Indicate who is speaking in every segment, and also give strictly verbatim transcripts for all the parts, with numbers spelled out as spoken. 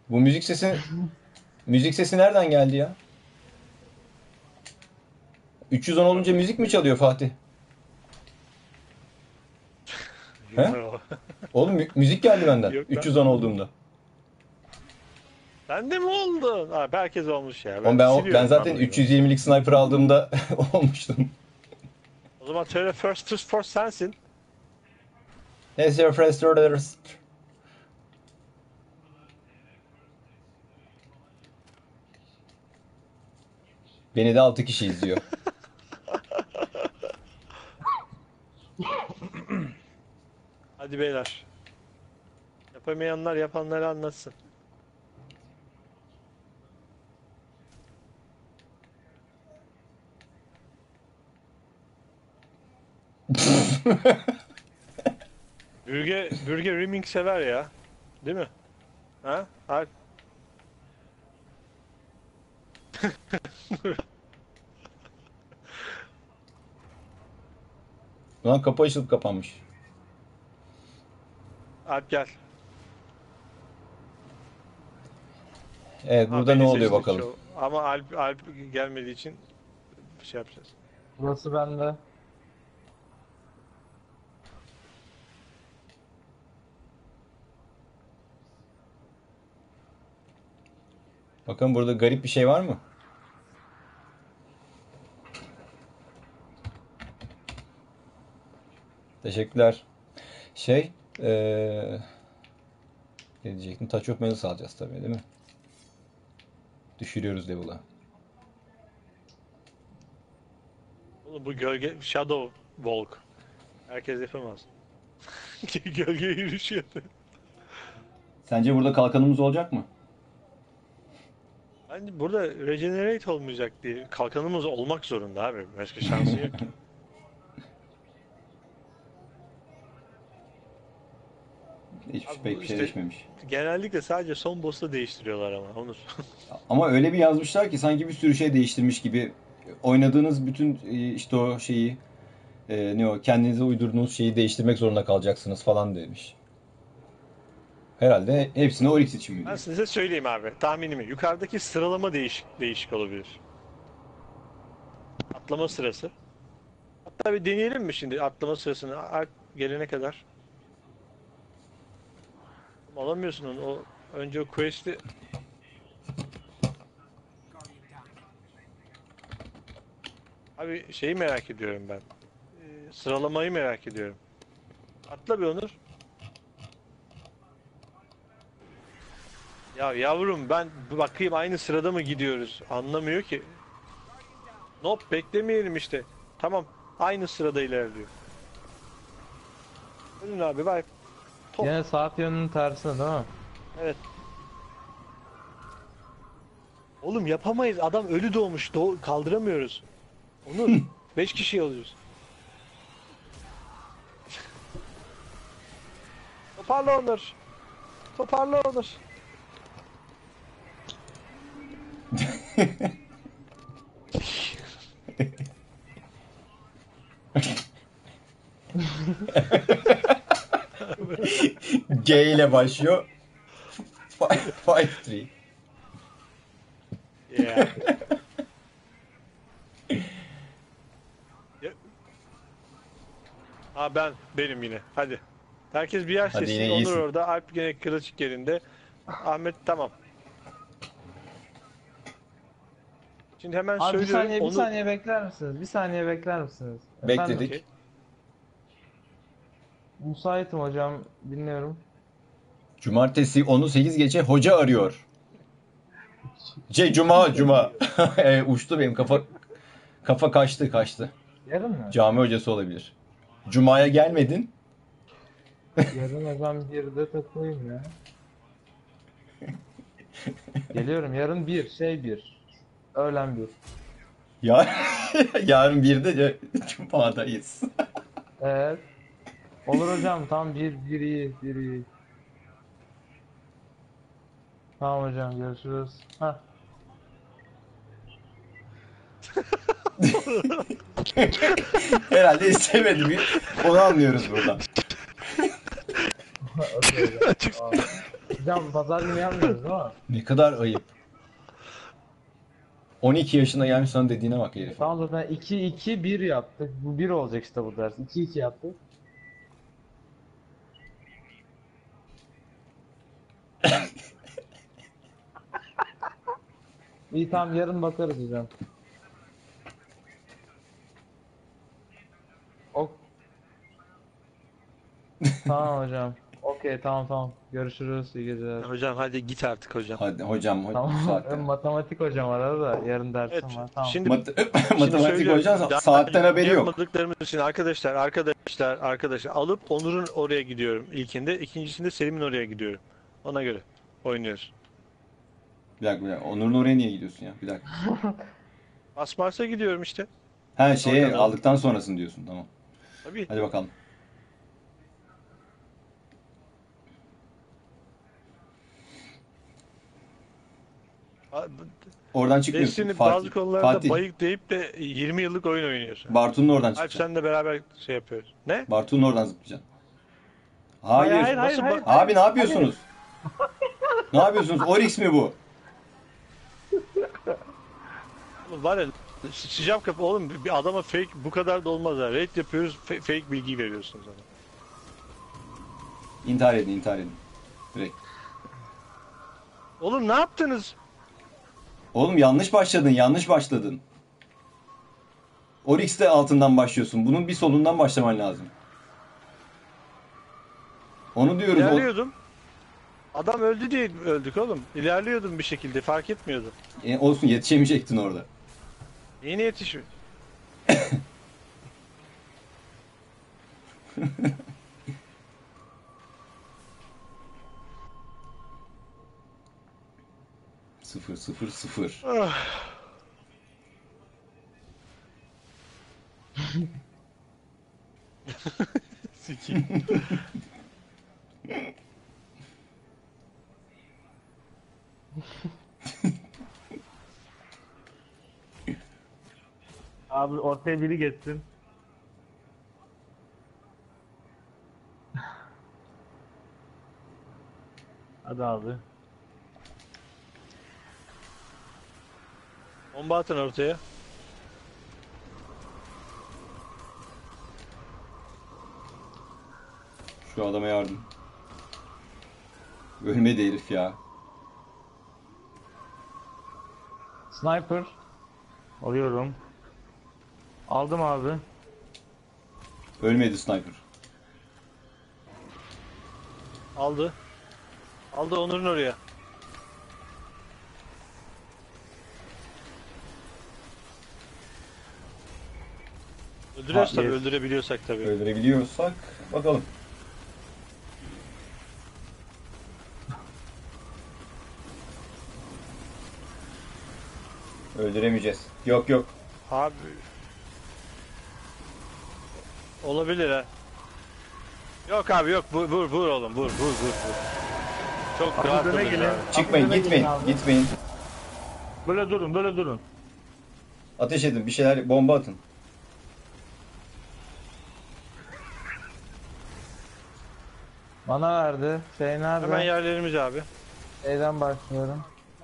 Speaker 1: Bu müzik sesi müzik sesi nereden geldi ya? üç yüz on olunca müzik mi çalıyor Fatih? He?
Speaker 2: Yo.
Speaker 1: Oğlum mü- müzik geldi benden
Speaker 2: Yok lan.
Speaker 1: üç yüz on olduğumda.
Speaker 2: Sen de mi oldun? Ha, herkes olmuş ya.
Speaker 1: Oğlum
Speaker 2: Ben
Speaker 1: ben ben
Speaker 2: siliyorum lan
Speaker 1: zaten
Speaker 2: oyunu.
Speaker 1: üç yüz yirmilik sniper aldığımda olmuştum.
Speaker 2: O zaman söyle first to first sensin.
Speaker 1: Neyse your first orders. Beni de altı kişi izliyor.
Speaker 2: Hadi beyler. Yapamayanlar yapanları anlatsın. Bürge, Bürge Rimming sever ya. Değil mi? Ha? Alp.
Speaker 1: Lan kapı açılıp kapanmış.
Speaker 2: Alp gel.
Speaker 1: Evet
Speaker 2: Ha,
Speaker 1: burada ne
Speaker 2: beni
Speaker 1: oluyor
Speaker 2: seçti
Speaker 1: bakalım.
Speaker 2: çoğu. Ama Alp, Alp gelmediği için bir şey yapacağız.
Speaker 3: Burası bende.
Speaker 1: Bakın burada garip bir şey var mı? Teşekkürler. Şey, eee ne diyecektim? Touch of Malice alacağız tabii değil mi? Düşürüyoruz level'ı.
Speaker 2: Oğlum bu gölge Shadow Walk. Herkes yapamaz. Gölge yürüyüşü yapıyor.
Speaker 1: Sence burada kalkanımız olacak mı?
Speaker 2: Bence burada regenerate olmayacak diye kalkanımız olmak zorunda abi. Başka şansı yok ki.
Speaker 1: Hiç
Speaker 2: Abi
Speaker 1: pek
Speaker 2: bu
Speaker 1: bir şey
Speaker 2: işte
Speaker 1: değişmemiş.
Speaker 2: genellikle sadece son boss'ta değiştiriyorlar ama Onur.
Speaker 1: Ama öyle bir yazmışlar ki sanki bir sürü şey değiştirmiş gibi. Oynadığınız bütün e, işte o şeyi e, ne o kendinize uydurduğunuz şeyi değiştirmek zorunda kalacaksınız falan demiş. Herhalde hepsini Oryx için mi
Speaker 2: Ben
Speaker 1: diyor?
Speaker 2: size söyleyeyim abi tahminimi. Yukarıdaki sıralama değişik değişik olabilir. Atlama sırası. Hatta bir deneyelim mi şimdi atlama sırasını Alp gelene kadar? Alamıyorsun onu. O, önce o quest'i abi şeyi merak ediyorum ben. Ee, sıralamayı merak ediyorum. Atla bir Onur. Ya yavrum ben bir bakayım aynı sırada mı gidiyoruz? Anlamıyor ki. Nope beklemeyelim işte. Tamam aynı sırada ilerliyor. Ölün abi bak. Top.
Speaker 3: Yine saat yönünün tersine değil mi?
Speaker 2: Evet. Oğlum yapamayız. Adam ölü doğmuş. Doğ kaldıramıyoruz. Onur. Beş kişi alıyoruz. Toparla Onur. Toparla Onur.
Speaker 1: G ile başlıyor. Five three.
Speaker 2: Yeah. Ya- Ha ben benim yine. Hadi. Herkes bir yer
Speaker 1: Hadi
Speaker 2: seçsin.
Speaker 1: yine
Speaker 2: Onur
Speaker 1: iyisin.
Speaker 2: orada. Alp gene kılıç yerinde. Ahmet tamam. Şimdi hemen
Speaker 3: Abi bir
Speaker 2: söylüyorum.
Speaker 3: saniye bir
Speaker 2: Onur.
Speaker 3: saniye bekler misiniz? Bir saniye bekler misiniz?
Speaker 1: Bekledik.
Speaker 2: Okey.
Speaker 3: Müsaitim hocam, dinliyorum.
Speaker 1: Cumartesi onu sekiz geçe hoca arıyor. Şey cuma cuma. E, uçtu benim kafa kafa kaçtı kaçtı.
Speaker 3: Yarın mı?
Speaker 1: Cami hocası olabilir. Cuma'ya gelmedin.
Speaker 3: Yarın hocam birde takılayım ya. Geliyorum yarın bir, şey bir. Öğlen bir.
Speaker 1: Ya yarın birde de Cuma'dayız.
Speaker 3: Evet. Olur hocam tam bir, bir iyi, bir iyi. Tamam hocam görüşürüz. Hah.
Speaker 1: Herhalde istemedi. Onu anlıyoruz buradan.
Speaker 3: Okey hocam. Tamam. Hocam pazar günü yapmıyoruz değil mi?
Speaker 1: Ne kadar ayıp. on iki yaşına gelmiş sana dediğine bak herif.
Speaker 3: Tamam zaten iki iki bir yaptık. Bu bir olacak işte bu ders. iki iki yaptık. İyi tamam yarın bakarız hocam. Ok. Tamam hocam. Okey tamam tamam. Görüşürüz. İyi geceler.
Speaker 2: Hocam hadi git artık hocam.
Speaker 1: Hadi hocam ho- bu
Speaker 3: Tamam.
Speaker 1: saatte.
Speaker 3: Benim matematik hocam arada da yarın dersim
Speaker 2: Evet,
Speaker 3: var. Tamam.
Speaker 2: şimdi
Speaker 1: Mat-
Speaker 2: Şimdi
Speaker 1: Matematik
Speaker 2: söylüyorum,
Speaker 1: hocam
Speaker 2: daha
Speaker 1: saatten haberi yok.
Speaker 2: yapmadıklarımız için arkadaşlar, arkadaşlar, arkadaşlar alıp Onur'un oraya gidiyorum ilkinde, ikincisinde Selim'in oraya gidiyorum. Ona göre oynuyoruz.
Speaker 1: Bir dakika bir dakika. Onur'un oraya niye gidiyorsun ya? Bir dakika.
Speaker 2: Basmars'a gidiyorum işte.
Speaker 1: Ha şeyi
Speaker 2: Oradan-
Speaker 1: aldıktan sonrasını diyorsun tamam.
Speaker 2: Tabii.
Speaker 1: Hadi bakalım.
Speaker 2: A-
Speaker 1: Oradan çıkmıyorsun.
Speaker 2: Destiny
Speaker 1: Fatih.
Speaker 2: bazı konularda
Speaker 1: Fatih.
Speaker 2: bayık deyip de yirmi yıllık oyun oynuyorsun.
Speaker 1: Bartu'nun oradan
Speaker 2: Alp
Speaker 1: çıkacaksın.
Speaker 2: senle beraber şey yapıyoruz. Ne?
Speaker 1: Bartu'nun oradan zıplayacaksın. Hayır.
Speaker 3: Hayır, hayır,
Speaker 2: Nasıl
Speaker 3: hayır,
Speaker 2: bak-
Speaker 3: hayır.
Speaker 1: Abi ne yapıyorsunuz? Ne yapıyorsunuz? Oryx mi bu?
Speaker 2: Oğlum var ya sıcak kapı oğlum bir adama fake bu kadar da olmaz ha. Raid yapıyoruz fa- fake bilgi veriyorsunuz ona.
Speaker 1: İntihar edin, intihar edin. Direkt.
Speaker 2: Oğlum ne yaptınız?
Speaker 1: Oğlum yanlış başladın, yanlış başladın. Oryx'te altından başlıyorsun. Bunun bir solundan başlaman lazım. Onu diyoruz. O...
Speaker 2: İlerliyordum. Adam öldü diye öldük oğlum. İlerliyordum bir şekilde fark etmiyordum.
Speaker 1: E, olsun yetişemeyecektin orada.
Speaker 2: Yeni yetişmiş.
Speaker 1: Sıfır, sıfır, sıfır.
Speaker 2: Ah. Sikeyim.
Speaker 3: Abi ortaya biri geçsin. Hadi abi.
Speaker 2: Bomba atın ortaya.
Speaker 1: Şu adama yardım. Ölmedi herif ya.
Speaker 3: Sniper. Alıyorum. Aldım abi.
Speaker 1: Ölmedi sniper.
Speaker 2: Aldı. Aldı Onur'un oraya. Öldürüyoruz
Speaker 1: Ha,
Speaker 2: tabii,
Speaker 1: yes.
Speaker 2: öldürebiliyorsak tabii.
Speaker 1: Öldürebiliyorsak bakalım. Öldüremeyeceğiz. Yok yok.
Speaker 2: Abi. Olabilir ha. Yok abi yok, vur vur vur oğlum, vur vur vur vur. Çok
Speaker 3: Abi
Speaker 2: rahat
Speaker 3: döne
Speaker 2: olun
Speaker 3: gelin.
Speaker 2: ya.
Speaker 1: Çıkmayın,
Speaker 3: Aklına
Speaker 1: gitmeyin.
Speaker 3: gelin abi.
Speaker 1: Gitmeyin.
Speaker 3: Böyle durun, böyle durun.
Speaker 1: Ateş edin, bir şeyler bomba atın.
Speaker 3: Bana verdi. Şey nerede?
Speaker 2: Hemen yerlerimiz abi.
Speaker 3: Şeyden başlıyorum.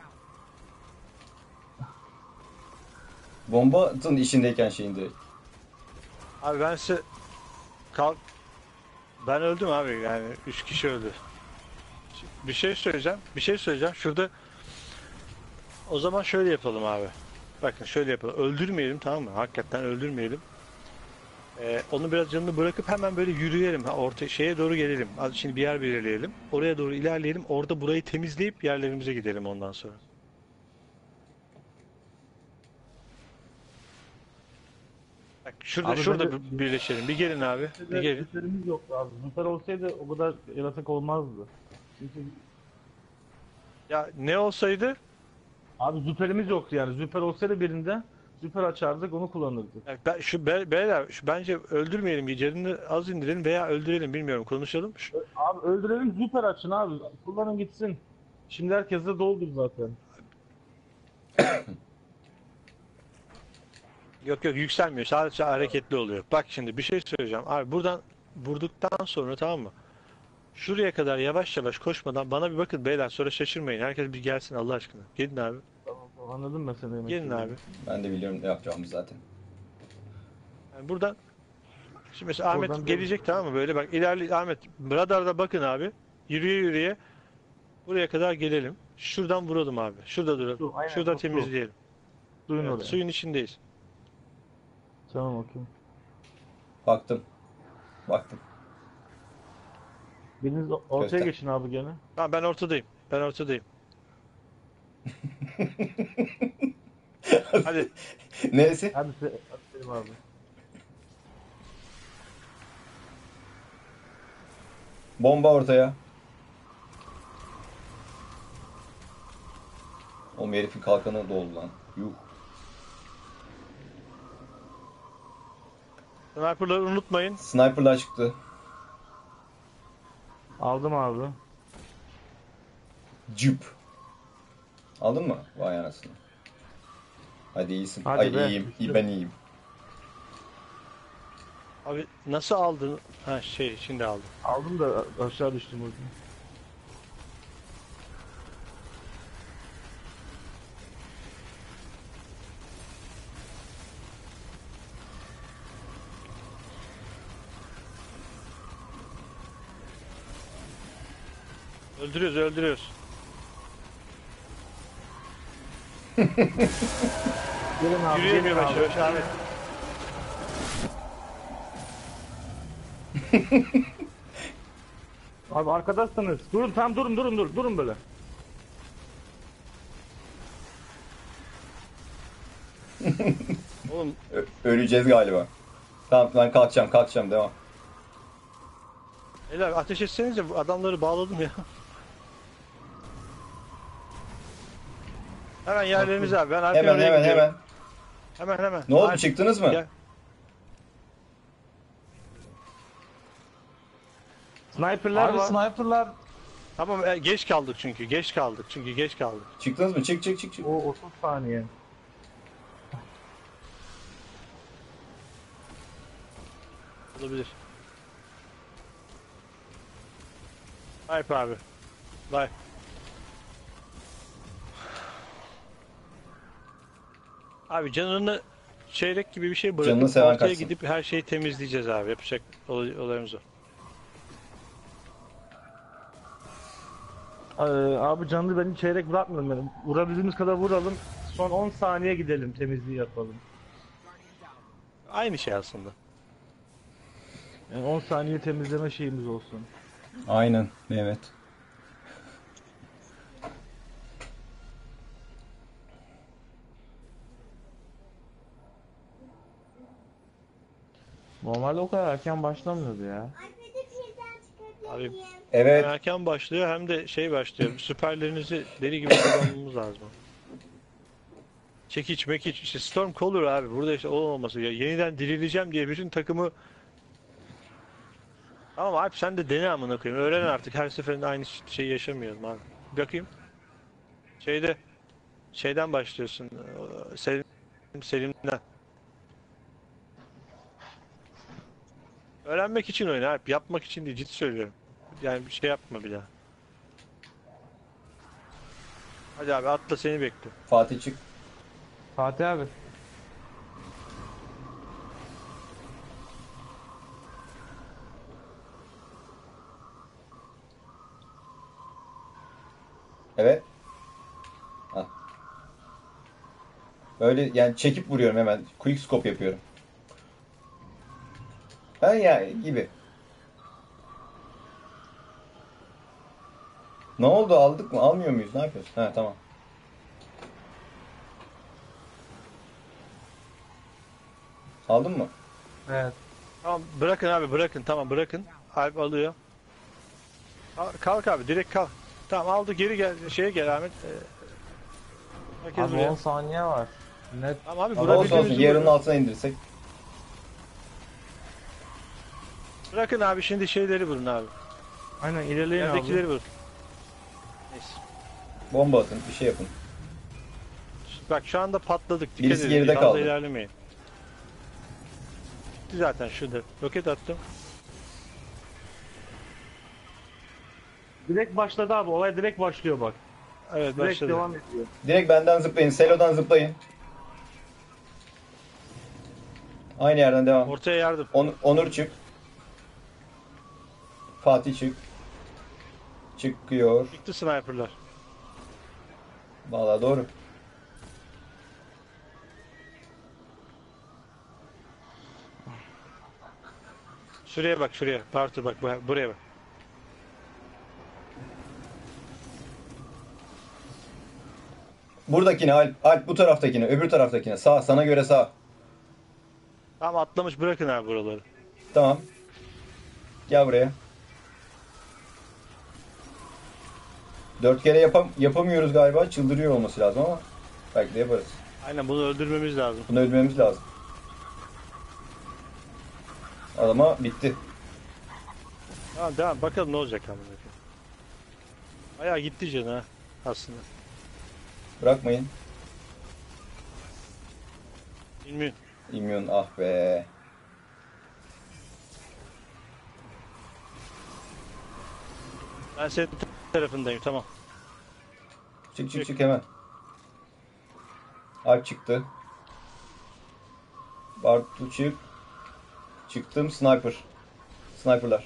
Speaker 1: Bomba atın işindeyken şeyin direkt.
Speaker 2: Abi ben size kalk ben öldüm abi, yani üç kişi öldü. Bir şey söyleyeceğim. Bir şey söyleyeceğim. Şurada o zaman şöyle yapalım abi. Bakın şöyle yapalım. Öldürmeyelim, tamam mı? Hakikaten öldürmeyelim. Ee, onu biraz canını bırakıp hemen böyle yürüyelim. Ha, orta şeye doğru gelelim. Az şimdi bir yer belirleyelim. Oraya doğru ilerleyelim. Orada burayı temizleyip yerlerimize gidelim ondan sonra. Bak şurada
Speaker 3: Abi
Speaker 2: şurada
Speaker 3: böyle-
Speaker 2: bir- birleşelim. Bir gelin abi. Bir gelin.
Speaker 3: Züperimiz yoktu abi. Züper olsaydı o kadar yaratık olmazdı. Çünkü
Speaker 2: Ya ne olsaydı?
Speaker 3: abi züperimiz yoktu yani. Züper olsaydı birinde züper açardık onu kullanırdık.
Speaker 2: Ya ben, şu be, beyler şu, bence öldürmeyelim. Canını az indirelim veya öldürelim, bilmiyorum. Konuşalım. Şu-
Speaker 3: Ö- Abi öldürelim züper açın abi. Kullanın gitsin. Şimdi herkes de doldur zaten.
Speaker 2: Yok yok, yükselmiyor. Sadece hareketli oluyor. Bak şimdi bir şey söyleyeceğim. Abi buradan vurduktan sonra, tamam mı? Şuraya kadar yavaş yavaş koşmadan bana bir bakın beyler, sonra şaşırmayın. Herkes bir gelsin Allah aşkına. Gelin abi.
Speaker 3: Tamam, tamam, anladım ben seni demek
Speaker 2: Gelin
Speaker 3: istediğini.
Speaker 2: abi.
Speaker 1: Ben de biliyorum ne yapacağımı zaten.
Speaker 2: Yani buradan şimdi mesela Ahmet
Speaker 3: Oradan
Speaker 2: gelecek, tamam mı? Böyle bak ilerle Ahmet, radarda bakın abi. Yürüye yürüye buraya kadar gelelim. Şuradan vuralım abi. Şurada duralım.
Speaker 3: Su, aynen,
Speaker 2: Şurada
Speaker 3: su, su.
Speaker 2: temizleyelim.
Speaker 3: Duyun
Speaker 2: Evet,
Speaker 3: oraya.
Speaker 2: suyun içindeyiz.
Speaker 3: Tamam, okey.
Speaker 1: Baktım. Baktım.
Speaker 3: Biriniz o- ortaya
Speaker 1: Göster.
Speaker 3: geçin abi gene.
Speaker 2: Tamam, ben ortadayım. Ben ortadayım. Hadi.
Speaker 1: Neyse.
Speaker 3: Hadi se hadi Selim abi.
Speaker 1: Bomba ortaya. Oğlum herifin kalkanı doldu lan. Yuh.
Speaker 2: Sniper'ları unutmayın.
Speaker 1: Sniper'lar çıktı.
Speaker 3: Aldım abi.
Speaker 1: Cüp. Aldın mı? Vay anasını. Hadi iyisin.
Speaker 3: Hadi
Speaker 1: Ay
Speaker 3: be,
Speaker 1: iyiyim.
Speaker 3: düştü.
Speaker 1: İyi, ben iyiyim.
Speaker 2: Abi nasıl aldın? Ha şey, şimdi aldım.
Speaker 3: Aldım da aşağı düştüm orada.
Speaker 2: Öldürüyoruz, öldürüyoruz.
Speaker 3: Gelin abi,
Speaker 2: Yürüyelim
Speaker 3: gelin
Speaker 2: yavaş
Speaker 3: abi.
Speaker 2: yavaş Ahmet.
Speaker 3: Abi arkadaşsınız. Durun, tam durun, durun, durun, durun böyle.
Speaker 2: Oğlum
Speaker 1: Ö- öleceğiz galiba. Tamam ben kalkacağım kalkacağım devam.
Speaker 2: beyler ateş etsenize, bu adamları bağladım ya. Hemen yerlerinize abi. Ben arkaya
Speaker 1: Hemen
Speaker 2: oraya
Speaker 1: hemen
Speaker 2: gidiyorum.
Speaker 1: hemen.
Speaker 2: Hemen hemen.
Speaker 1: Ne oldu
Speaker 2: Hadi.
Speaker 1: çıktınız mı?
Speaker 2: Gel.
Speaker 3: Sniper'lar
Speaker 4: Abi
Speaker 3: var.
Speaker 4: sniperlar
Speaker 2: Tamam, e, geç kaldık çünkü. Geç kaldık çünkü geç kaldık.
Speaker 1: Çıktınız mı? Çık çık çık çık.
Speaker 3: O otuz saniye.
Speaker 2: Olabilir. Hype abi. Bye. Abi canını çeyrek gibi bir şey
Speaker 1: Canını
Speaker 2: bırakıp
Speaker 1: seven
Speaker 2: ortaya
Speaker 1: kaçsın.
Speaker 2: gidip her şeyi temizleyeceğiz abi. Yapacak olay, olayımız o.
Speaker 3: Ee, abi canlı beni çeyrek bırakmıyorum benim. Vurabildiğimiz kadar vuralım. Son on saniye gidelim, temizliği yapalım.
Speaker 2: Aynı şey aslında.
Speaker 3: Yani on saniye temizleme şeyimiz olsun.
Speaker 1: Aynen evet.
Speaker 4: normalde o kadar erken başlamıyordu ya.
Speaker 5: iPad'i pilden çıkarabilir
Speaker 2: Abi,
Speaker 5: miyim?
Speaker 1: Evet.
Speaker 2: Hem erken başlıyor hem de şey başlıyor. Süperlerinizi deli gibi kullanmamız lazım. Çekiç mekiç işte Storm Caller abi, burada işte o olması ya, yeniden dirileceğim diye bütün takımı. Tamam Alp, sen de dene amına koyayım, öğren artık, her seferinde aynı şeyi yaşamayalım abi. Bir bakayım şeyde, şeyden başlıyorsun, e, Selim, Selim'den öğrenmek için oyna Alp, yapmak için değil, ciddi söylüyorum, yani bir şey yapma bir daha. Hadi abi atla, seni bekliyorum.
Speaker 1: Fatih çık.
Speaker 4: Fatih abi.
Speaker 1: Evet. Al. Böyle yani çekip vuruyorum hemen. Quick scope yapıyorum. Ben ya gibi. Ne oldu, aldık mı? Almıyor muyuz? Ne yapıyoruz? Ha tamam. Aldın mı?
Speaker 4: Evet.
Speaker 2: Tamam bırakın abi, bırakın, tamam bırakın. Alp alıyor. Al- Kalk abi, direkt kalk. Tamam aldı, geri gel, şeye gel Ahmet. Ee, herkes
Speaker 4: Abi
Speaker 2: buraya.
Speaker 4: on saniye var. Net.
Speaker 2: Tamam abi,
Speaker 1: Ama olsun olsun.
Speaker 2: vurabildiğimizi
Speaker 1: Yarının
Speaker 2: vurun.
Speaker 1: altına indirsek.
Speaker 2: Bırakın abi, şimdi şeyleri vurun abi.
Speaker 3: Aynen, ilerleyin abi.
Speaker 2: Yerdekileri vurun. Neyse.
Speaker 1: Bomba atın. Bir şey yapın.
Speaker 2: Bak şu anda patladık. Dikkat
Speaker 1: Birisi
Speaker 2: edin.
Speaker 1: geride
Speaker 2: Fazla
Speaker 1: kaldı.
Speaker 2: ilerlemeyin. Gitti zaten şurada. Roket attım.
Speaker 3: Direkt başladı abi. Olay direkt başlıyor bak.
Speaker 2: Evet
Speaker 3: Direkt
Speaker 2: başladı.
Speaker 3: devam ediyor.
Speaker 1: Direkt benden zıplayın. Selo'dan zıplayın. Aynı yerden devam.
Speaker 2: Ortaya yardım.
Speaker 1: On- Onur çık. Fatih çık. Çıkıyor.
Speaker 2: Çıktı sniperlar.
Speaker 1: Vallahi doğru.
Speaker 2: Şuraya bak şuraya. Parti bak bu- buraya bak.
Speaker 1: Buradakine Alp, Alp bu taraftakine, öbür taraftakine. Sağ, sana göre sağ.
Speaker 2: Tamam atlamış bırakın abi buraları.
Speaker 1: Tamam. Gel buraya. Dört kere yapam yapamıyoruz galiba. Çıldırıyor olması lazım ama belki de yaparız.
Speaker 2: Aynen bunu öldürmemiz lazım.
Speaker 1: Bunu öldürmemiz lazım. Adama bitti.
Speaker 2: Tamam devam bakalım ne olacak abi. Bayağı gitti canı ha aslında.
Speaker 1: Bırakmayın.
Speaker 2: Bilmiyorum.
Speaker 1: İmyon ah be.
Speaker 2: Ben senin tarafındayım tamam.
Speaker 1: Çık çık çık hemen. Alp çıktı. Bartu çık. Çıktım sniper. Sniperlar.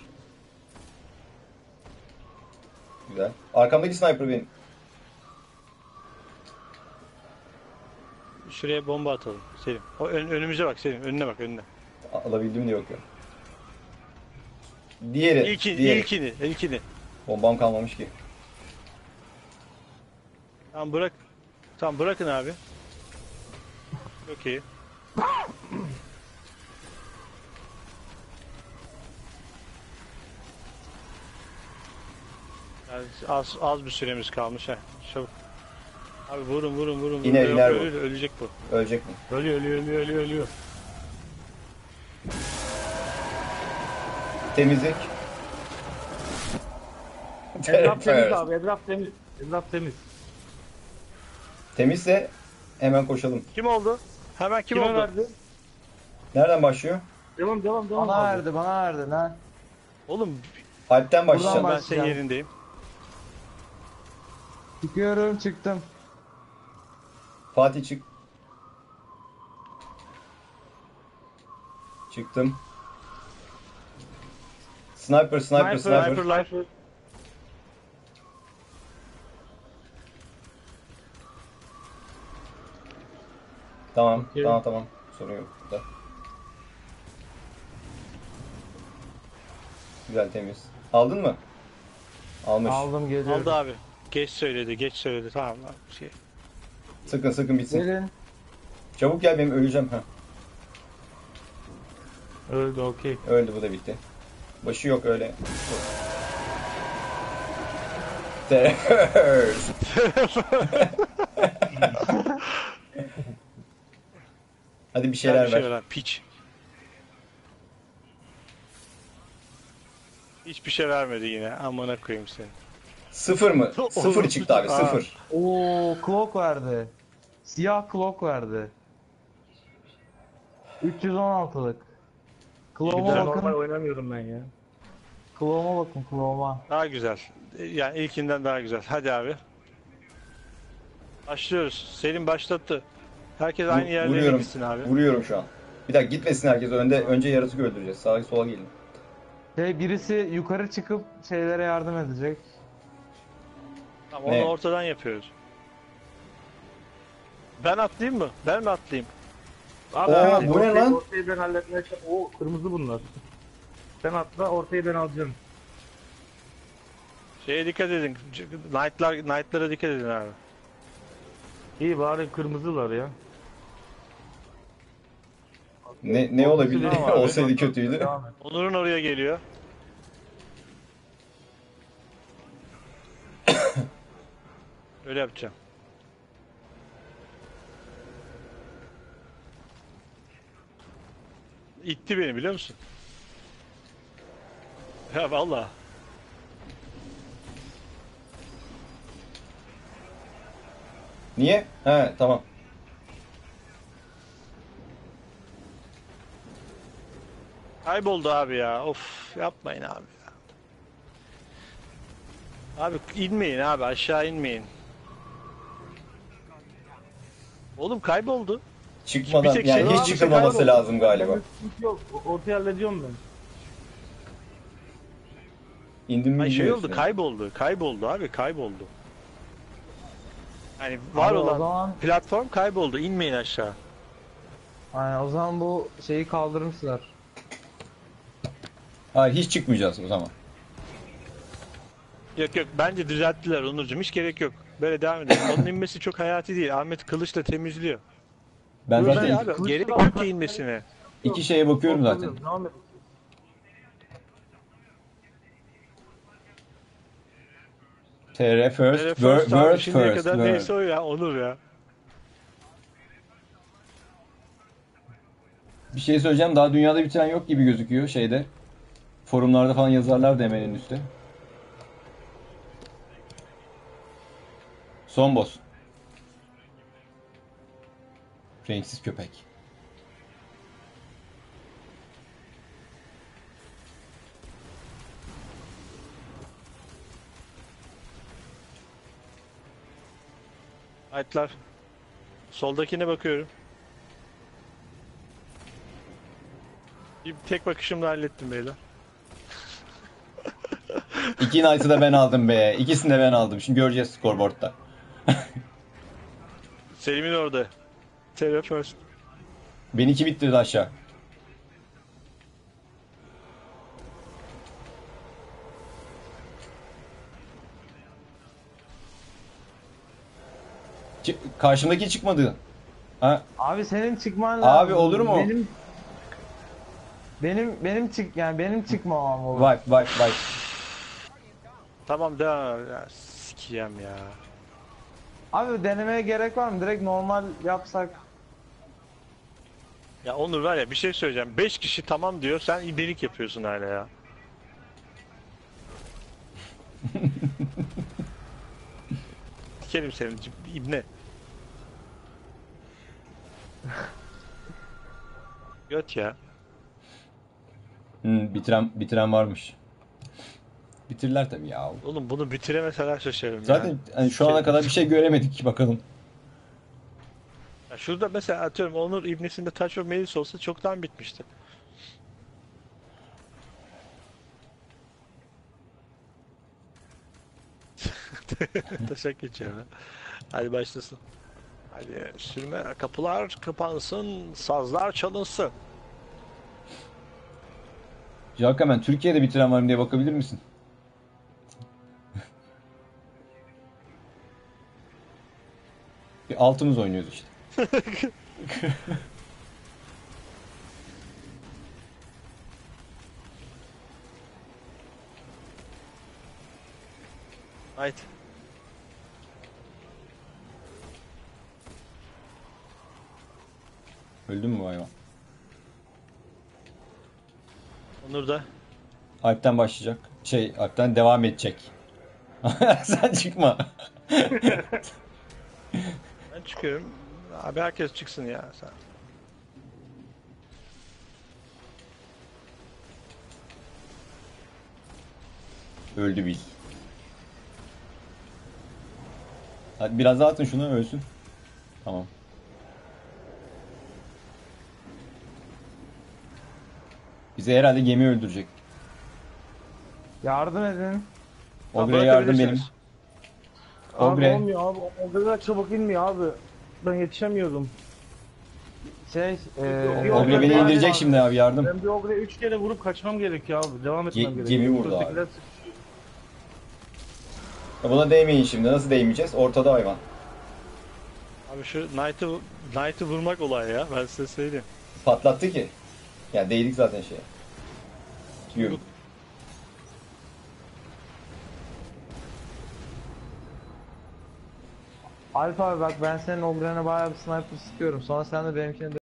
Speaker 1: Güzel. Arkamdaki sniper benim.
Speaker 2: Şuraya bomba atalım Selim. O ön- önümüze bak Selim. Önüne bak önüne.
Speaker 1: Alabildim mi diye bakıyorum. Diğeri.
Speaker 2: İlkini,
Speaker 1: diğeri.
Speaker 2: ilkini, ilkini.
Speaker 1: Bombam kalmamış ki.
Speaker 2: Tamam bırak. Tamam bırakın abi. Çok iyi. Yani az az bir süremiz kalmış ha. Çabuk. Abi vurun vurun vurun.
Speaker 1: İner,
Speaker 2: vurun.
Speaker 1: iner
Speaker 2: Yok,
Speaker 1: bu.
Speaker 2: ölür, ölecek bu.
Speaker 1: Ölecek mi?
Speaker 3: Ölüyor ölüyor ölüyor ölüyor ölüyor.
Speaker 1: Temizlik.
Speaker 3: Etraf temiz abi. Etraf temiz. Etraf temiz.
Speaker 1: Temizse hemen koşalım.
Speaker 2: Kim oldu? Hemen kim
Speaker 3: Kime
Speaker 2: oldu?
Speaker 3: verdi?
Speaker 1: Nereden başlıyor?
Speaker 3: Devam devam devam
Speaker 4: Bana
Speaker 3: abi.
Speaker 4: verdi, bana verdi lan.
Speaker 2: Oğlum
Speaker 1: Alp'ten
Speaker 4: Buradan
Speaker 1: başlayacağım.
Speaker 2: ben
Speaker 4: baş-
Speaker 2: senin
Speaker 4: başlayalım.
Speaker 2: yerindeyim.
Speaker 4: Çıkıyorum, çıktım.
Speaker 1: Fatih çık. Çıktım. Sniper, sniper, sniper.
Speaker 2: Sniper'lar.
Speaker 1: Tamam,
Speaker 3: Okey.
Speaker 1: tamam, tamam. Sorun yok burada. Güzel, temiz. Aldın mı? Almış.
Speaker 4: Aldım, geliyorum.
Speaker 2: Aldı abi. Geç söyledi, geç söyledi. Tamam abi. Şey.
Speaker 1: Sıkın, sıkın bitsin.
Speaker 4: Gelin.
Speaker 1: Çabuk gel, benim öleceğim. Ha.
Speaker 3: Öldü okey.
Speaker 1: Öldü, bu da bitti. Başı yok öyle. Terrors. Hadi bir şeyler
Speaker 2: Bir şey
Speaker 1: ver.
Speaker 2: ver. Piç. Hiçbir şey vermedi yine. Amına koyayım seni.
Speaker 1: Sıfır mı? Sıfır çıktı abi,
Speaker 2: Aa.
Speaker 1: sıfır.
Speaker 4: Oo, clock verdi. Siyah clock verdi. üç yüz on altılık.
Speaker 2: güzel.
Speaker 4: Clove'a
Speaker 3: Normal
Speaker 4: bakın.
Speaker 3: oynamıyorum ben ya.
Speaker 4: Clove'a bakın, Clove'a.
Speaker 2: Daha güzel. Yani ilkinden daha güzel. Hadi abi. Başlıyoruz. Selim başlattı. Herkes aynı yerlere
Speaker 1: Vuruyorum.
Speaker 2: gitsin abi.
Speaker 1: Vuruyorum şu an. Bir dakika gitmesin herkes. Önde önce yaratık öldüreceğiz. Sağa sola gelin.
Speaker 4: Şey, birisi yukarı çıkıp şeylere yardım edecek.
Speaker 2: Tamam,
Speaker 1: Ne?
Speaker 2: onu ortadan yapıyoruz. Ben atlayayım mı? Ben mi atlayayım?
Speaker 3: Abi,
Speaker 1: Oo,
Speaker 3: abi,
Speaker 1: bu ne
Speaker 3: ortayı-
Speaker 1: lan?
Speaker 3: Ortayı ben halletmeye çalışıyorum. Oo kırmızı bunlar. Sen atla ortayı ben alacağım.
Speaker 2: Şeye dikkat edin. Knight'lar, Knight'lara dikkat edin abi.
Speaker 3: İyi bari kırmızılar ya.
Speaker 1: Ne ne olabilir?
Speaker 2: Tamam abi.
Speaker 1: Olsaydı kötüydü.
Speaker 3: Devam et.
Speaker 2: Onur'un oraya geliyor. Öyle yapacağım. İtti beni biliyor musun? Ya vallahi.
Speaker 1: Niye? He tamam.
Speaker 2: Kayboldu abi ya. Of yapmayın abi ya. Abi inmeyin abi, aşağı inmeyin. Oğlum kayboldu.
Speaker 1: Çıkmadan
Speaker 2: Bir tek
Speaker 1: yani
Speaker 2: şey-
Speaker 1: hiç
Speaker 2: Abi,
Speaker 1: çıkılmaması
Speaker 2: kayboldu.
Speaker 1: lazım galiba.
Speaker 3: Bende sıkıntı yok. O- Ortaya hallediyorum ben.
Speaker 1: İndim mi
Speaker 2: Ay şey
Speaker 1: bilmiyorsun
Speaker 2: oldu,
Speaker 1: yani.
Speaker 2: kayboldu. Kayboldu abi, kayboldu. Yani var
Speaker 4: Abi o
Speaker 2: olan
Speaker 4: zaman-
Speaker 2: platform kayboldu. İnmeyin aşağı.
Speaker 4: Aynen, o zaman bu şeyi kaldırmışlar.
Speaker 1: Hayır hiç çıkmayacağız o zaman.
Speaker 2: Yok yok, bence düzelttiler Onurcuğum, hiç gerek yok. Böyle devam edelim. Onun inmesi çok hayati değil. Ahmet kılıçla temizliyor.
Speaker 1: Ben
Speaker 3: Dur,
Speaker 1: zaten
Speaker 2: Şey
Speaker 3: ben-
Speaker 2: abi,
Speaker 3: kılıçla
Speaker 2: gerek
Speaker 3: da-
Speaker 2: yok ki inmesine.
Speaker 1: iki şeye bakıyorum zaten.
Speaker 3: Korkuyorum, devam et.
Speaker 1: T R first,
Speaker 2: Böyle
Speaker 1: word,
Speaker 2: first abi,
Speaker 1: word
Speaker 2: şimdiye
Speaker 1: first.
Speaker 2: kadar
Speaker 1: word.
Speaker 2: neyse o ya, Onur ya.
Speaker 1: Bir şey söyleyeceğim, daha dünyada bitiren yok gibi gözüküyor şeyde. Forumlarda falan yazarlar da hemen en üstte. Son boss. Renksiz köpek.
Speaker 2: Aytlar. Soldakine bakıyorum. Bir tek bakışımla hallettim beyler.
Speaker 1: İki Knight'ı da ben aldım be. İkisini de ben aldım. Şimdi göreceğiz scoreboard'da.
Speaker 2: Selim'in orada. Terra first.
Speaker 1: Beni iki bittirdi aşağı. Çı- Karşımdaki çıkmadı. Ha,
Speaker 4: Abi senin çıkman lazım.
Speaker 1: Abi olur mu?
Speaker 4: Benim benim benim çık yani benim çıkmamam olur.
Speaker 1: wipe wipe wipe.
Speaker 2: Tamam devam. Ya, sikiyem ya.
Speaker 4: Abi denemeye gerek var mı? Direkt normal yapsak.
Speaker 2: Ya Onur var ya, bir şey söyleyeceğim. Beş kişi tamam diyor, sen ibelik yapıyorsun hala ya. Dikerim seni ibne. Göt ya.
Speaker 1: Hmm, bitiren bitiren varmış. Bitirler tabii ya.
Speaker 2: Oğlum bunu bitiremeseler şaşarım
Speaker 1: Zaten
Speaker 2: ya.
Speaker 1: hani şu ana kadar bir şey göremedik bakalım.
Speaker 2: Ya şurada mesela atıyorum Onur ibnesinde Touch of Malice olsa çoktan bitmişti. Taşak geçiyor ha. Hadi başlasın. Hadi sürme kapılar kapansın, sazlar çalınsın.
Speaker 1: Jalkamen Türkiye'de bitiren var mı diye bakabilir misin? Bir altımız oynuyoruz işte.
Speaker 2: Haydi.
Speaker 1: Öldün mü bu hayvan?
Speaker 2: Onur da.
Speaker 1: Alp'ten başlayacak. Şey, Alp'ten devam edecek. Sen çıkma.
Speaker 2: Ben çıkıyorum. Abi herkes çıksın ya sen.
Speaker 1: Öldü bil. Hadi biraz daha atın şunu ölsün. Tamam. Bizi herhalde gemi öldürecek.
Speaker 4: Yardım edin.
Speaker 1: Ogre'ye yardım benim.
Speaker 2: bırakabilirsiniz.
Speaker 3: Abi
Speaker 1: Ogre.
Speaker 3: olmuyor abi. O kadar çabuk inmiyor abi. Ben yetişemiyorum.
Speaker 4: Şey, eee
Speaker 1: Ogre beni indirecek şimdi abi yardım.
Speaker 3: Ben bir Ogre'ye üç kere vurup kaçmam gerekiyor abi. Devam etmem
Speaker 1: Ge-
Speaker 3: gerekiyor.
Speaker 1: gemi vurdu abi.
Speaker 3: Buradakiler-
Speaker 1: Ya buna değmeyin şimdi. Nasıl değmeyeceğiz? Ortada hayvan.
Speaker 2: Abi şu Knight'ı Knight'ı vurmak olay ya, ben size söyleyeyim.
Speaker 1: Patlattı ki. Ya değdik zaten şeye. Yürü.
Speaker 4: Alp abi bak, ben senin Ogre'ne bayağı bir sniper sıkıyorum. Sonra sen de benimkini